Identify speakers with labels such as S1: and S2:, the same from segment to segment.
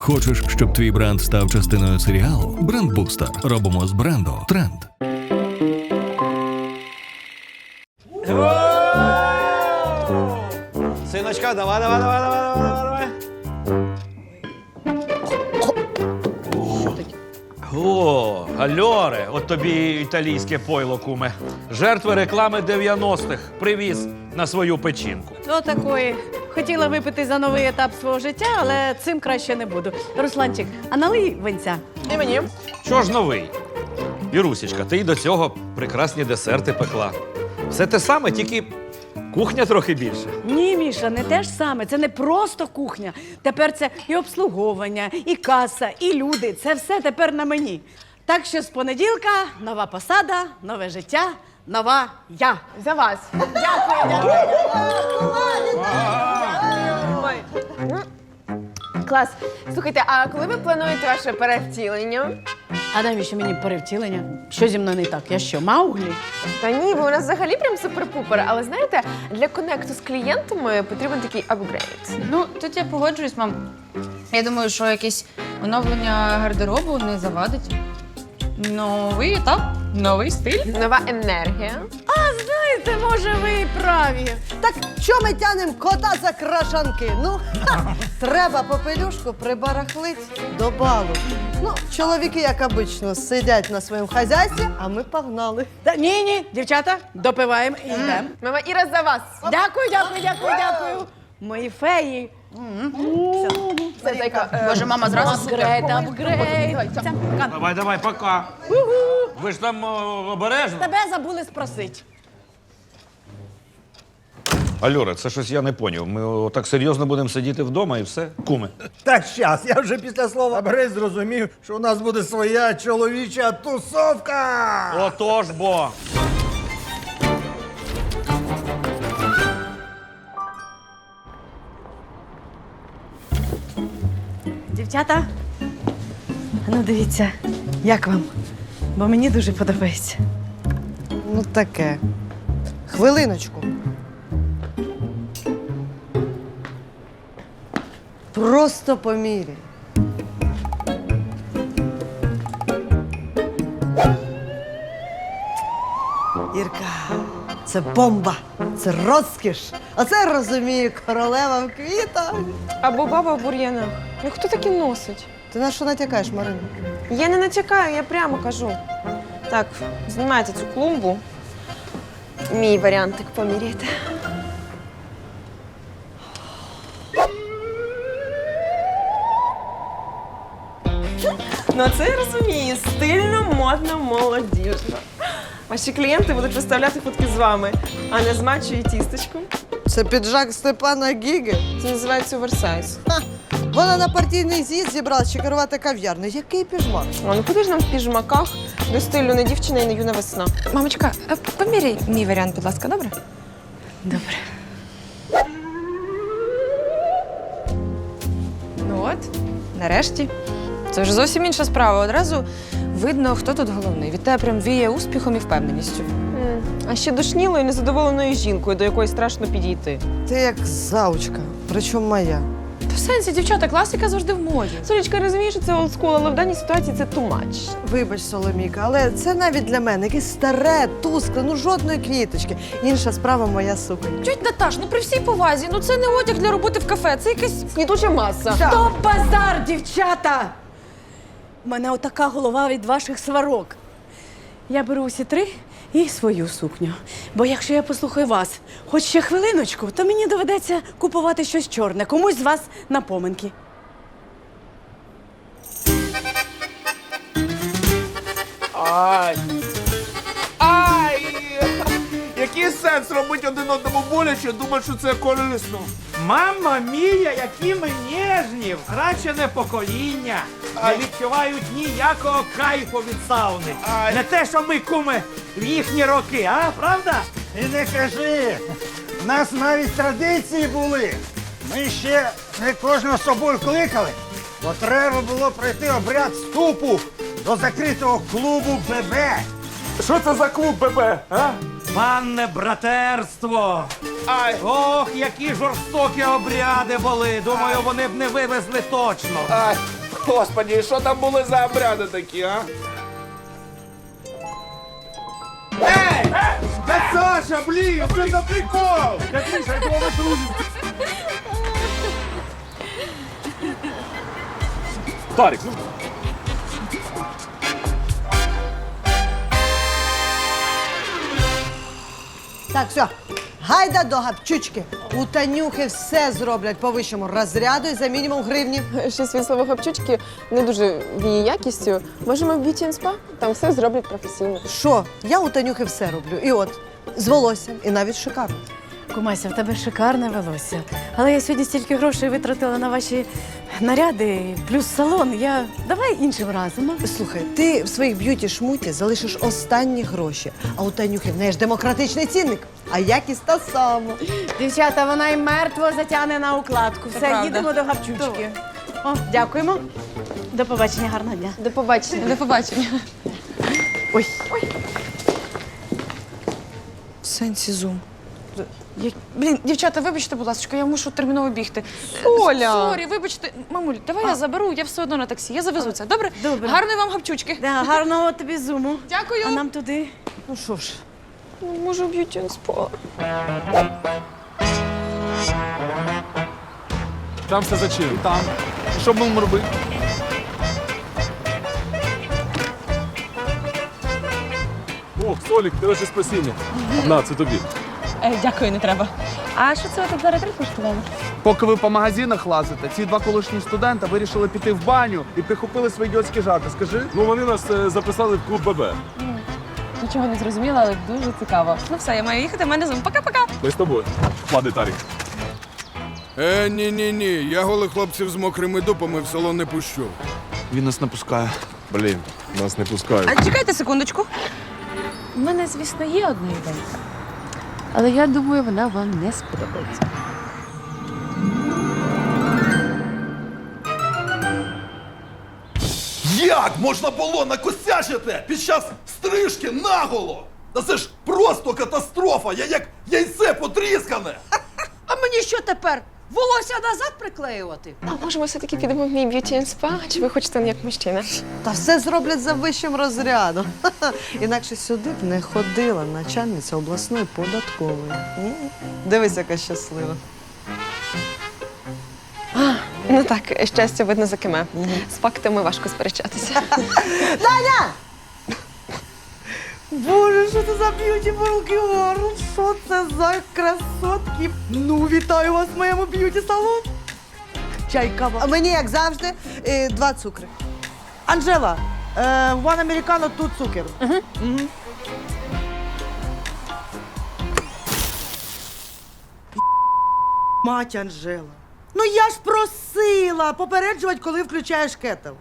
S1: Хочеш, щоб твій бренд став частиною серіалу? Брендбустер. Робимо з бренду тренд.
S2: Синочка, давай. О, Альоре, от тобі італійське пойло, куме. Жертви реклами 90-х привіз на свою печінку.
S3: Отакої. Хотіла випити за новий етап свого життя, але цим краще не буду. Русланчик, а налий винця.
S2: І мені. Що ж новий? Ірусічка, ти й до цього прекрасні десерти пекла. Все те саме, тільки кухня трохи більше.
S3: Ні, Міша, не те ж саме. Це не просто кухня. Тепер це і обслуговування, і каса, і люди. Це все тепер на мені. Так що з понеділка нова посада, нове життя, нова я.
S4: За вас. Ой. Клас. Слухайте, а коли ви плануєте ваше перевтілення?
S3: А навіщо мені перевтілення? Що зі мною не так? Я що, Мауглі?
S4: Та ні, ви у нас взагалі прям супер-пупер. Але знаєте, для конекту з клієнтами потрібен такий апгрейд.
S5: Ну, тут я погоджуюсь, мам. Я думаю, що якесь оновлення гардеробу не завадить. Новий етап, новий стиль.
S4: Нова енергія.
S3: Знаєте, може, ви і праві.
S6: Так що ми тянем кота за крашанки? Ну, треба попелюшку прибарахлить до балу. Ну, чоловіки, як обично, сидять на своєму хазяйстві, а ми погнали.
S3: Ні, дівчата, допиваємо і йдемо.
S4: Мама Іра за вас.
S3: Дякую. Мої феї.
S4: Це зайка.
S5: Боже, мама зразу супер.
S3: Апгрейд.
S2: Давай, пока. Ви ж там обережно.
S3: Тебе забули спросити.
S2: Альоре, це щось я не поняв. Ми так серйозно будемо сидіти вдома і все? Куме.
S7: Так, щас, я вже після слова «бери» зрозумів, що у нас буде своя чоловіча тусовка.
S2: Отож бо.
S3: Дівчата, ну дивіться, як вам? Бо мені дуже подобається.
S6: Ну, таке. Хвилиночку. Просто поміряй. Ірка, це бомба, це розкіш. Оце розумію, королева в квітах.
S4: Або баба в бур'янах. Ну хто таки носить?
S6: Ти на що натякаєш, Марина?
S4: Я не натякаю, я прямо кажу. Так, знімайте цю клумбу. Мій варіантик поміряйте. Ну, це я розумію. Стильно, модно, молодіжно. Ваші клієнти будуть виставляти фотки з вами, а не з мачо і тістечком.
S6: Це піджак Степана Гіги.
S4: Це називається оверсайз.
S6: Вона на партійний з'їзд зібралась чи керувати кав'ярнею. Який піжмак?
S4: А ну куди ж нам в піжмаках до стилю не дівчина і не юна весна?
S5: Мамочка, поміряй мій варіант, будь ласка, добре?
S3: Добре.
S5: Ну от, нарешті. Це вже зовсім інша справа. Одразу видно, хто тут головний. Від тебе прям віє успіхом і впевненістю.
S4: А ще душнілою, незадоволеною жінкою, до якої страшно підійти.
S6: Ти як заучка, причому моя.
S5: Та в сенсі, дівчата, класика завжди в моді.
S4: Солічка, я розумію, що це олдскул, але в даній ситуації це too much.
S6: Вибач, Соломіка, але це навіть для мене якесь старе, тускле, ну жодної квіточки. Інша справа моя суконь.
S5: Тьоть Наташ, ну при всій повазі, ну це не одяг для роботи в кафе, це якась...
S4: Квітуча маса.
S3: Стоп, базар, дівчата! У мене отака голова від ваших сварок. Я беру усі три і свою сукню. Бо якщо я послухаю вас хоч ще хвилиночку, то мені доведеться купувати щось чорне, комусь з вас на поминки.
S8: Ай! Який сенс робити один одному боляче, думати, що це корисно?
S7: Мамма мія, які ми ніжні! Радше не покоління. Не відчувають ніякого кайфу від сауни. Не те, що ми, куми, в їхні роки, а? Правда? І не кажи. У нас навіть традиції були. Ми ще не кожного з собою кликали, бо треба було пройти обряд вступу до закритого клубу ББ.
S8: Що це за клуб ББ, а?
S7: Панне братерство!
S8: Ай!
S7: Ох, які жорстокі обряди були! Думаю, вони б не вивезли точно.
S8: Ай! Господи, і що там були за обряди такі, а? Ей! Да Саша, блін, це за прикол!
S7: Катриша, я твого друзі.
S8: Тарік, ну...
S6: Так, все. Гайда до гапчучки. У Танюхи все зроблять по вищому розряду і за мінімум гривні.
S4: Щось від слова хапчучки не дуже віє якістю. Можемо в Beauty and Spa? Там все зроблять професійно.
S6: Що? Я у Танюхи все роблю. І от, з волоссям, і навіть шикарно.
S3: Кумася, в тебе шикарне волосся. Але я сьогодні стільки грошей витратила на ваші наряди, плюс салон. Давай іншим разом. А?
S6: Слухай, ти в своїх б'юті-шмуті залишиш останні гроші, а у Танюхи в неї ж демократичний цінник, а якість та сама.
S3: Дівчата, вона й мертво затягне на укладку. Все,
S5: правда.
S3: їдемо до гапчучки. О, дякуємо. До побачення, гарного дня.
S4: До побачення.
S5: До побачення.
S3: Ой,
S6: В сенсі зум.
S5: Блін, дівчата, вибачте, будь ласка, я мушу терміново бігти.
S4: Оля!
S5: Сорі, вибачте. Мамуль, давай я заберу, я все одно на таксі. Я завезу це. Добре?
S3: Добре.
S5: Гарної вам гапчучки.
S3: да, гарного тобі зуму.
S5: Дякую.
S3: А нам туди.
S6: Ну що ж,
S4: Може, в Beauty and Spa?
S8: Там все зачем? Там. І що будемо робити?
S9: О, Солік, ти наше спасіння. На, це тобі.
S5: Дякую, не треба. А що це ви тут за ретрит влаштували?
S8: Поки ви по магазинах лазите, ці два колишні студента вирішили піти в баню і прихопили свої ідіотські жарти. Скажи?
S9: Ну, вони нас записали в клуб ББ.
S5: Нічого не зрозуміла, але дуже цікаво. Ну все, я маю їхати, в мене зум. Пока-пока.
S9: Ми з тобою. Лади, Тарік.
S10: Ні. Я голих хлопців з мокрими дупами в салон не пущу.
S8: Він нас не пускає.
S9: Блін, нас не пускають.
S5: А чекайте секундочку. У мене, звісно, є одна ідея. Але я думаю, вона вам не сподобається.
S11: Як можна було накосячити під час стрижки наголо? Та це ж просто катастрофа, я як яйце потріскане.
S6: а мені що тепер? Волосся назад приклеювати?
S4: А може, ми все-таки підемо в мій Beauty and Spa? Чи ви хочете як мужчина?
S6: Та все зроблять за вищим розрядом. Інакше сюди б не ходила начальниця обласної податкової. Дивись, яка щаслива.
S4: Ну так, щастя видно за киме. З фактами важко сперечатися.
S6: Таня! Боже, що це за beautiful girl? Що це за красотки? Ну, вітаю вас в моєму б'юті-салоні. Чай, кава. А мені, як завжди, 2 цукри. Анжела, one americano, 2 цукер. Мать Анжела. Ну я ж просила попереджувати, коли включаєш кетл.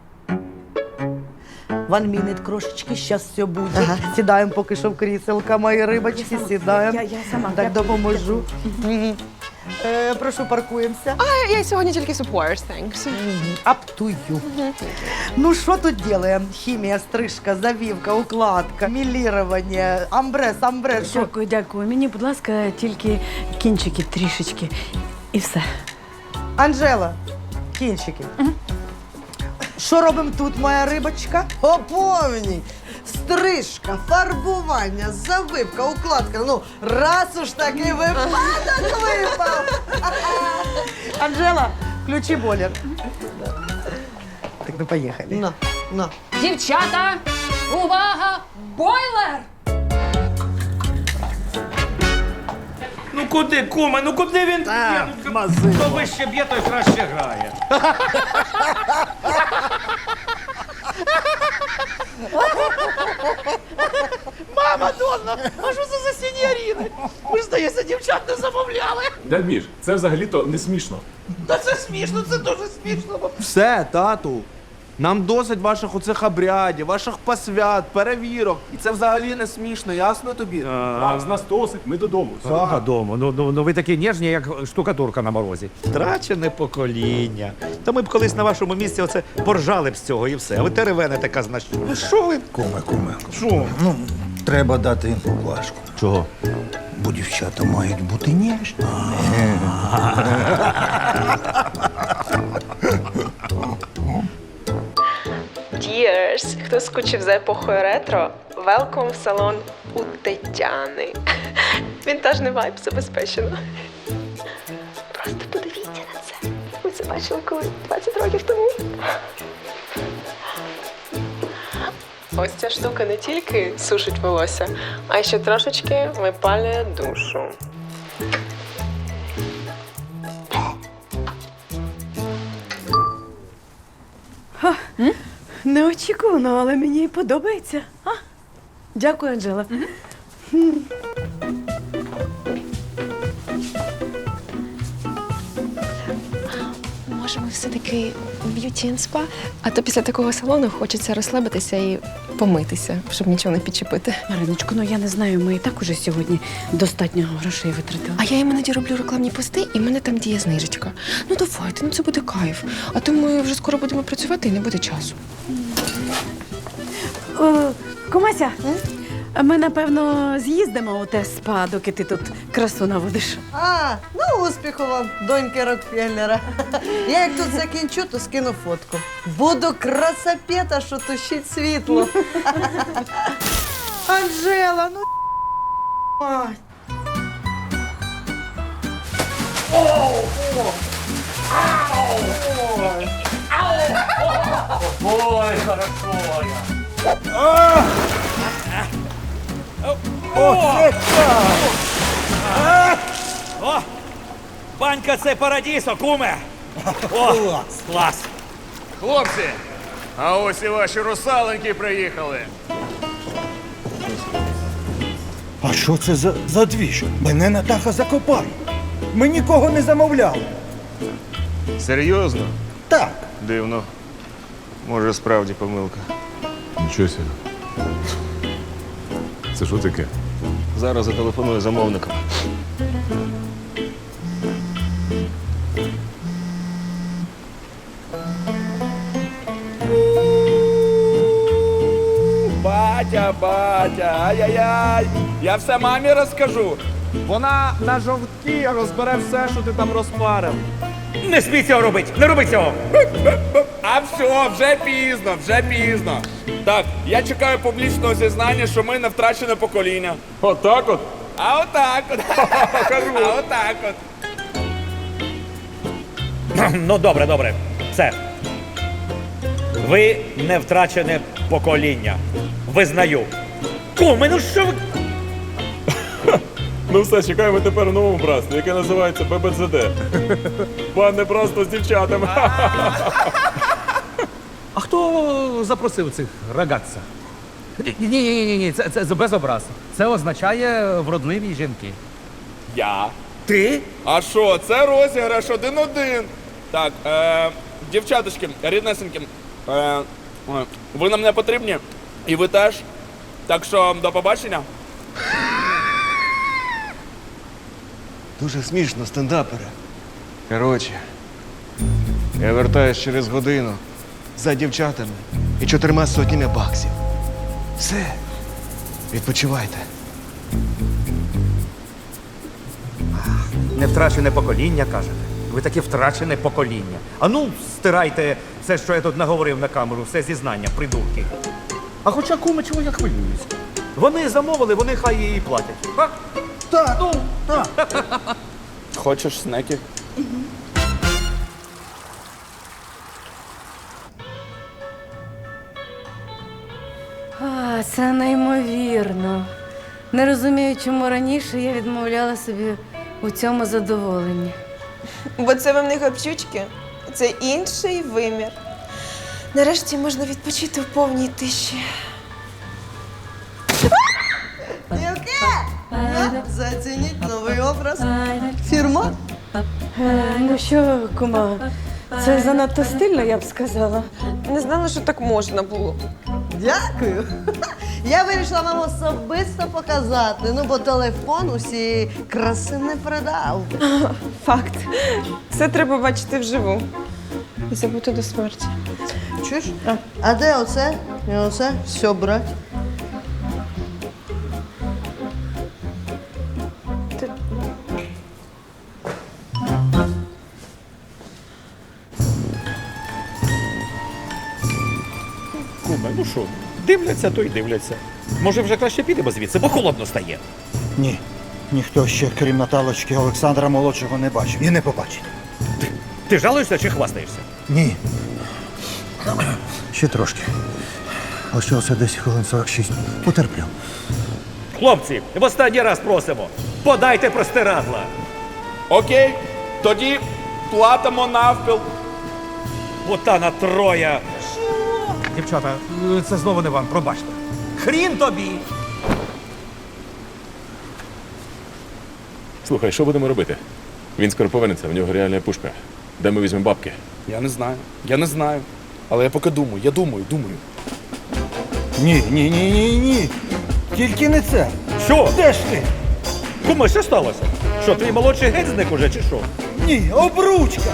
S6: One minute, крошечки, щас все буде. Ага. Сідаємо поки що в кріселка, мої рибочки, сідаємо.
S3: Я сама.
S6: Так допоможу. Прошу, паркуємося.
S4: А я сьогодні тільки support, thanks.
S6: Up to you. Ну, що тут делаем? Хімія, стрижка, завівка, укладка, мілірування, амбре. Що?
S3: Дякую, дякую. Мені, будь ласка, тільки кінчики трішечки. І все.
S6: Анжела, кінчики. Що робимо тут, моя рибочка? По повній. Стрижка, фарбування, завивка, укладка. Ну, раз уж такий випадок випав. Анжела, включи бойлер. Так, ну поїхали. На.
S5: Дівчата, увага! Бойлер!
S7: Ну куди, куме, ну куди він б'є? Ну, хто вище б'є, той краще грає. Мама Донна, а що це за сіньоріни? Ми ж, здається, дівчат не замовляли.
S9: Дядь Міш, це взагалі-то не смішно.
S7: Та це смішно, це дуже смішно.
S8: Все, тату. Нам досить ваших оцих обрядів, ваших посвят, перевірок. І це взагалі не смішно, ясно тобі?
S9: А з нас досить, ми додому.
S7: Додому. Ну ви такі ніжні, як штукатурка на морозі.
S2: Втрачене покоління. Та ми б колись на вашому місці оце поржали б з цього і все. А ви теревените казна що. Ну що ви?
S11: Куме.
S2: Що?
S11: Ну, треба дати поблажку.
S2: Чого?
S11: Бо дівчата мають бути ніжні.
S4: Cheers! Хто скучив за епохою ретро, welcome в салон у Тетяни. Вінтажний вайб забезпечено. Просто подивіться на це. Ви це бачили коли 20 років тому. Ось ця штука не тільки сушить волосся, а й ще трошечки випалює душу.
S3: Неочікувано, але мені подобається. А? Дякую, Анжела.
S4: Може, ми все-таки б'юті н спа? А то після такого салону хочеться розслабитися і помитися, щоб нічого не підчепити.
S3: Мариночко, ну я не знаю, ми і так уже сьогодні достатньо грошей витратили.
S4: А я іноді роблю рекламні пости, і в мене там діє знижечка. Ну давайте, ну це буде кайф. А то ми вже скоро будемо працювати і не буде часу.
S3: Кумася, ми, напевно, з'їздимо у те спа, доки ти тут красу наводиш.
S6: А, ну успіху вам, доньки Рокфеллера. Я як тут закінчу, то скину фотку. Буду красапета, що тушить світло. Анжела, ну мать.
S7: Ой, хорошо О, банька це парадісо, куме. О, клас.
S10: Хлопці, а ось і ваші русаленьки приїхали.
S12: А що це за двіж? Мене Натаха закопає. Ми нікого не замовляли.
S10: Серйозно?
S12: Так.
S10: Дивно. Може, справді помилка.
S9: Нічого себе. Це що таке?
S10: Зараз зателефоную замовникам.
S8: Батя, ай-яй-яй. Я все мамі розкажу. Вона на жовтки розбере все, що ти там розпарив.
S7: Не смій цього робити, не роби цього.
S8: А все, вже пізно. Так, я чекаю публічного зізнання, що ми не втрачене покоління.
S9: Отак от?
S8: А отак от. А отак от.
S7: Ну, добре. Все. Ви не втрачене покоління. Визнаю. Куми, ну що ви?
S9: Ну все, чекаємо тепер в новому братстві, яке називається ББЗД. Пан не просто з дівчатами.
S7: А хто запросив цих рагатця? Ні, це без образ. Це означає вродливі жінки.
S8: Я.
S7: Ти?
S8: А що, це розіграш 1-1. Так, дівчаточки, ріднесеньки, ви нам не потрібні, і ви теж. Так що, до побачення.
S10: Дуже смішно, стендапери. Коротше, я вертаюсь через годину за дівчатами і 4 сотнями баксів. Все, відпочивайте.
S7: Не втрачене покоління, кажете. Ви таке втрачене покоління. А ну, стирайте все, що я тут наговорив на камеру, все зізнання, придурки. А хоча, куми, чого я хвилююсь? Вони замовили, вони хай її платять. А?
S12: Так, ну, так.
S8: Хочеш снеки?
S3: А, це неймовірно. Не розумію, чому раніше я відмовляла собі у цьому задоволенні.
S4: Бо це вам не гапчучки, це інший вимір. Нарешті можна відпочити в повній тиші.
S6: Дівки, зацініть новий образ. Фірма.
S3: Ну що, кума, це занадто стильно, я б сказала.
S4: Не знала, що так можна було.
S6: Дякую. Я вирішила вам особисто показати, ну бо телефон усієї краси не передав.
S4: Факт. Це треба бачити вживу. І забути до смерті.
S6: Чуєш? А де оце? І оце? Все брать.
S13: куме, ну що, дивляться, то й дивляться. Може, вже краще підемо звідси, бо холодно стає.
S12: Ні. Ніхто ще, крім Наталочки, Олександра молодшого не бачив і не побачить.
S13: Ти жалуєшся чи хвастаєшся?
S12: Ні. Ще трошки. Лишилося десь хвилин 46. Потерплю.
S13: Хлопці, в останній раз просимо, подайте простирадла.
S8: Окей, тоді платимо навпіл.
S13: Ботана троя.
S7: Дівчата, це знову не вам, пробачте. Хрін тобі!
S9: Слухай, що будемо робити? Він скоро повернеться, в нього реальна пушка. Де ми візьмемо бабки?
S8: Я не знаю. Але я поки думаю, я думаю.
S12: Ні. Тільки не це.
S13: Що?
S12: Де ж ти?
S13: Куме, що сталося? Що, твій молодший геть зник уже, чи що?
S12: Ні, обручка.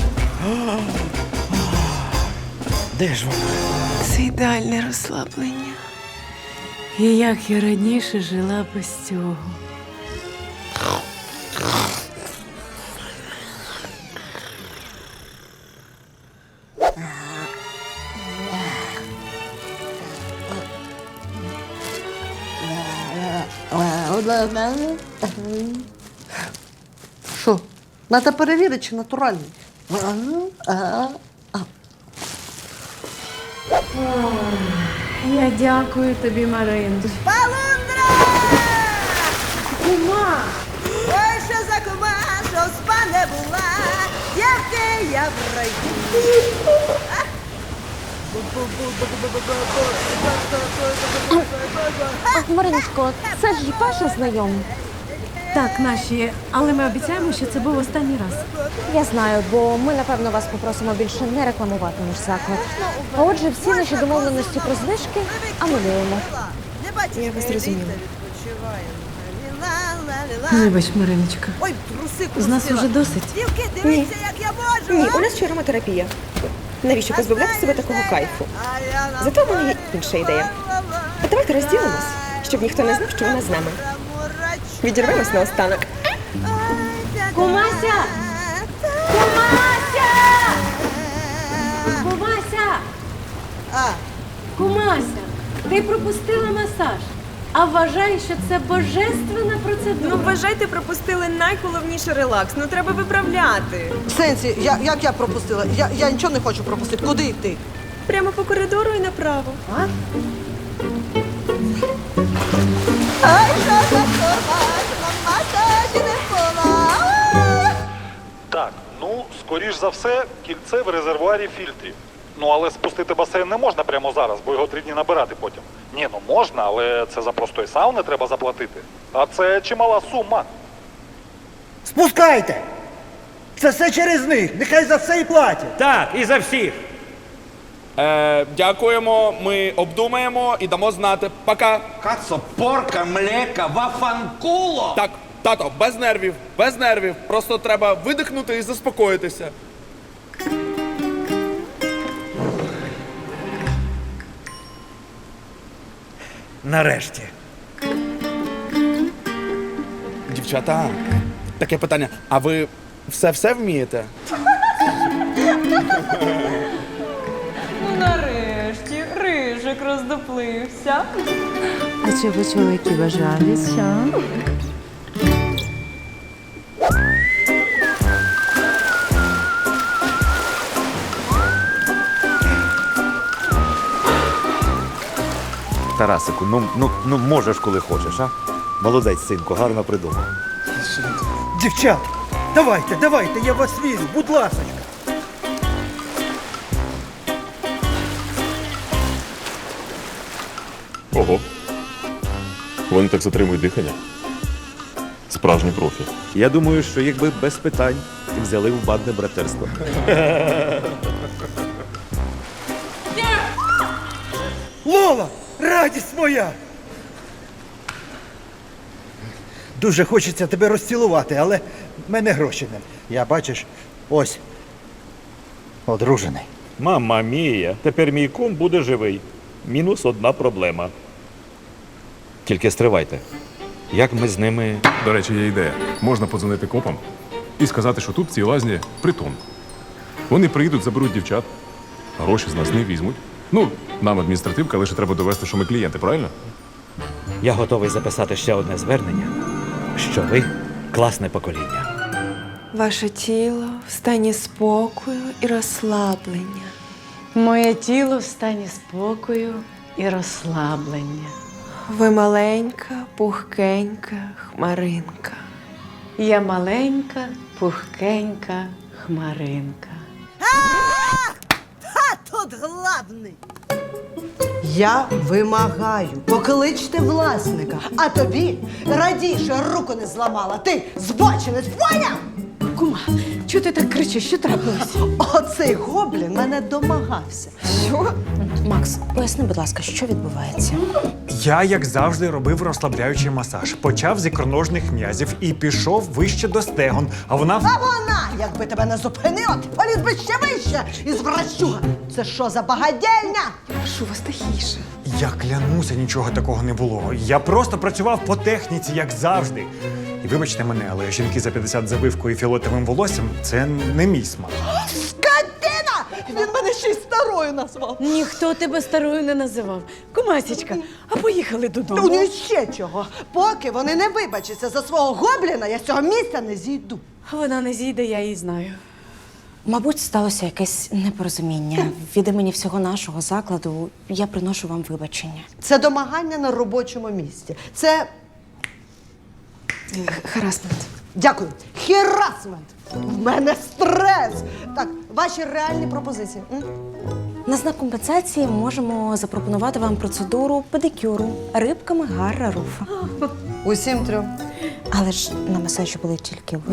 S13: Де ж вона?
S3: Це ідеальне розслаблення. І як я раніше жила без цього.
S6: Що? Надо перевірити, чи натуральний.
S3: Я дякую тобі, Марин.
S6: Полундра! Кума! Ой, що за кума, що спа не була, дівки я в раю.
S4: Мариночко, це ж Паша знайомий.
S3: Так, наші, але ми обіцяємо, що це був останній раз.
S4: Я знаю, бо ми, напевно, вас попросимо більше не рекламувати наш заклад. А отже, всі наші домовленості про знижки анулюємо.
S6: Я вас зрозуміла.
S3: Вибач, Мариночка.
S6: Ой, труси
S3: З нас уже досить.
S6: Дівки, дивіться, як я можу.
S4: Ні, у нас ще ароматерапія. Навіщо позбавляти себе такого кайфу? Зато в мене є інша ідея. А давайте розділимось, щоб ніхто не знав, що вона з нами. Відірвемось наостанок.
S3: Кумася! Кумася! Кумася! Кумася! Ти пропустила масаж. А вважаю, що це божественна процедура.
S4: Ну, вважайте, пропустили найголовніший релакс. Ну, треба виправляти.
S6: В сенсі, як я пропустила? Я нічого не хочу пропустити. Куди йти?
S4: Прямо по коридору і направо.
S6: Ай, що за форма, масажі не була.
S14: Так, ну, скоріш за все, кільце в резервуарі фільтрів. Ну, але спустити басейн не можна прямо зараз, бо його 3 дні набирати потім. Ні, ну можна, але це за простої сауни треба заплатити. А це чимала сума.
S12: Спускайте! Це все через них. Нехай за все і платять.
S13: Так, і за всіх.
S8: Дякуємо, ми обдумаємо і дамо знати. Пока.
S2: Кацо, порка, млека, вафанкуло!
S8: Так, тато, без нервів. Просто треба видихнути і заспокоїтися.
S13: Нарешті.
S8: Дівчата, таке питання. А ви все вмієте?
S5: Ну, нарешті, рижик роздоплився.
S3: А чого чоловіки бажались, а?
S13: Тарасику, ну можеш, коли хочеш, а? Молодець, синку, гарно придумав.
S12: Дівчат, давайте, я вас візьму, будь ласочка.
S9: Ого. Вони так затримують дихання. Справжні профі.
S13: Я думаю, що якби без питань взяли в бандне братерство.
S12: Лола, радість моя! Дуже хочеться тебе розцілувати, але в мене гроші не. Я, бачиш, ось, одружений.
S13: Мама мія, тепер мій кум буде живий. Мінус одна проблема. Тільки стривайте. Як ми з ними...
S9: До речі, є ідея. Можна подзвонити копам і сказати, що тут в цій лазні притон. Вони приїдуть, заберуть дівчат, гроші з нас не візьмуть, Ну, нам адміністративка, лише треба довести, що ми клієнти, правильно?
S13: Я готовий записати ще одне звернення, що ви класне покоління.
S4: Ваше тіло в стані спокою і розслаблення.
S3: Моє тіло в стані спокою і розслаблення.
S4: Ви маленька, пухкенька хмаринка.
S3: Я маленька, пухкенька хмаринка.
S6: А тут главний. Я вимагаю, покличте власника, а тобі радій, що я руку не зламала. Ти збочинець, поняв?
S3: Кума, чого ти так кричиш? Що трапилось?
S6: Оцей гоблін мене домагався.
S15: Що? Макс, поясни, будь ласка, що відбувається?
S7: Я, як завжди, робив розслабляючий масаж. Почав з ікроножних м'язів і пішов вище до стегон. А вона...
S6: А вона, якби тебе не зупинила, ти поліз би ще вище із врачуга. Це що за багадільня?
S15: Прошу вас тихіше.
S7: Я клянуся, нічого такого не було. Я просто працював по техніці, як завжди. І вибачте мене, але жінки за 50 завивкою і фіолетовим волоссям – це не мій смак.
S6: Скотина! Він мене ще й старою назвав.
S3: Ніхто тебе старою не називав. Кумасічка, а поїхали додому.
S6: Ну і ще чого. Поки вони не вибачаться за свого гобліна, я з цього місця не зійду.
S3: Вона не зійде, я її знаю.
S15: Мабуть, сталося якесь непорозуміння. Від імені всього нашого закладу я приношу вам вибачення.
S6: Це домагання на робочому місці. Це...
S15: Харасмент.
S6: Дякую. Херасмент. В мене стрес. Так, ваші реальні пропозиції.
S15: На знак компенсації можемо запропонувати вам процедуру педикюру рибками Гарра Руфа.
S6: Усім трьом.
S15: Але ж на масажі були тільки ви.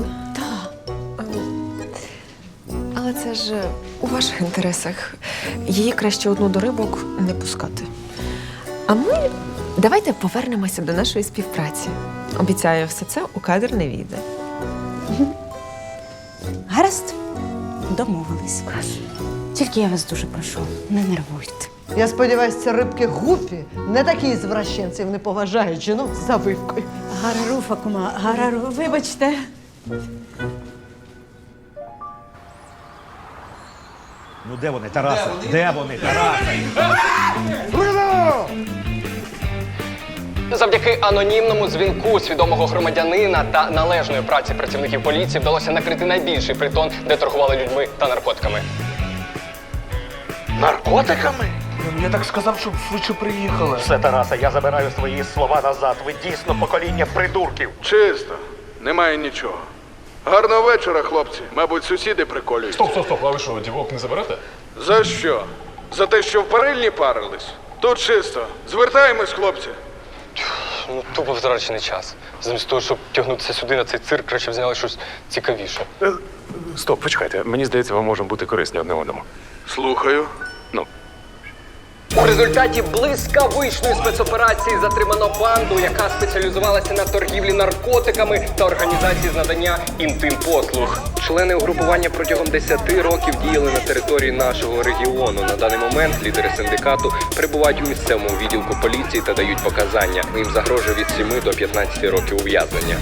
S4: Але це ж у ваших інтересах. Її краще одну до рибок не пускати. А ми давайте повернемося до нашої співпраці. Обіцяю, все це у кадр не війде.
S15: Гаразд, домовились. Тільки я вас дуже прошу, не нервуйте.
S6: Я сподіваюся, ці рибки гупі не такі звращенців не поважають жінок з завивкою.
S3: Гарра Руфа, кума, Гарра Руфа, вибачте.
S2: Ну де вони, Тарасе? Де вони, Тарасе?
S16: Завдяки анонімному дзвінку свідомого громадянина та належної праці працівників поліції вдалося накрити найбільший притон, де торгували людьми та наркотиками.
S10: Наркотиками? Я так сказав, щоб швидше приїхали.
S13: Все, Тарасе, я забираю свої слова назад. Ви дійсно покоління придурків.
S8: Чисто. Немає нічого. Гарного вечора, хлопці. Мабуть, сусіди приколюють.
S9: Стоп, а ви що, дівок не заберете?
S8: За що? За те, що в парильні парились? Тут чисто. Звертаємось, хлопці.
S16: Ну, тупо втрачений час. Замість того, щоб тягнутися сюди на цей цирк, краще взяли щось цікавіше.
S9: Стоп, почекайте. Мені здається, вам можемо бути корисні одне одному.
S8: Слухаю.
S16: У результаті блискавичної спецоперації затримано банду, яка спеціалізувалася на торгівлі наркотиками та організації з надання інтим-послуг. Члени угрупування протягом 10 років діяли на території нашого регіону. На даний момент лідери синдикату перебувають у місцевому відділку поліції та дають показання. Їм загрожує від 7 до 15 років ув'язнення.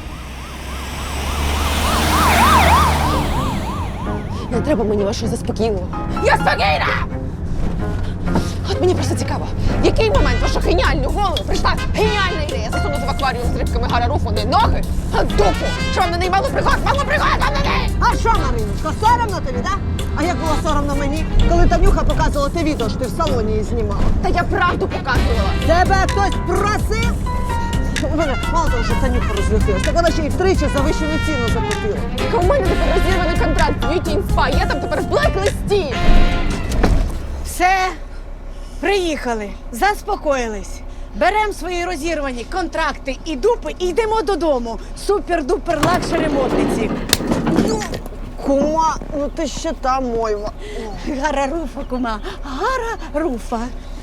S4: Не треба мені вашого заспокійливого. Я спокійна! От мені просто цікаво, в який момент вашу геніальну голову прийшла геніальна ідея засунути в акваріум з рибками Гарра Руфа не ноги, а дупу! Що вам на неї мало пригод? Мало пригод вам на неї!
S6: А що, Мариночко, соромно тобі, да? А як було соромно мені, коли Танюха показувала те відео, що ти в салоні її знімала?
S4: Та я правду показувала!
S6: Тебе хтось просив? У мене мало того, що Танюха розлютилась, так вона ще й втричі за вищу ціну заплатила.
S4: Так у мене тепер розірваний контракт з Beauty in Spa, я там тепер в блек-листі!
S3: Все, приїхали, заспокоїлись. Беремо свої розірвані контракти і дупи і йдемо додому. Супер-дупер лакшері модниці.
S6: Кума, ну ти ще та мойва.
S3: Гарра Руфа, кума, Гарра Руфа.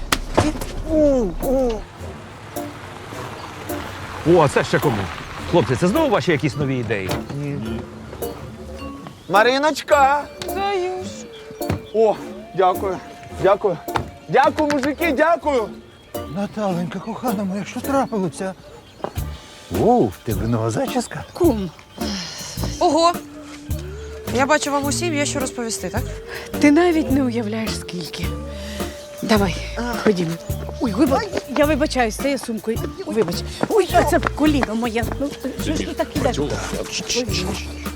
S2: О, а це ще кому? Хлопці, це знову ваші якісь нові ідеї?
S7: Мариночка! О, дякую, дякую. Дякую, мужики, дякую.
S12: Наталенька, кохана моя, що трапилося? О, в тебе нова зачіска?
S3: Кум.
S5: Ого! Я бачу, вам усім є що розповісти, так?
S3: Ти навіть не уявляєш, скільки. Давай, ходімо. Ой, я вибачаюсь, стає сумкою. Вибач. Ой, а це коліно моє. Ну, що ж ти так ідеш? Ой,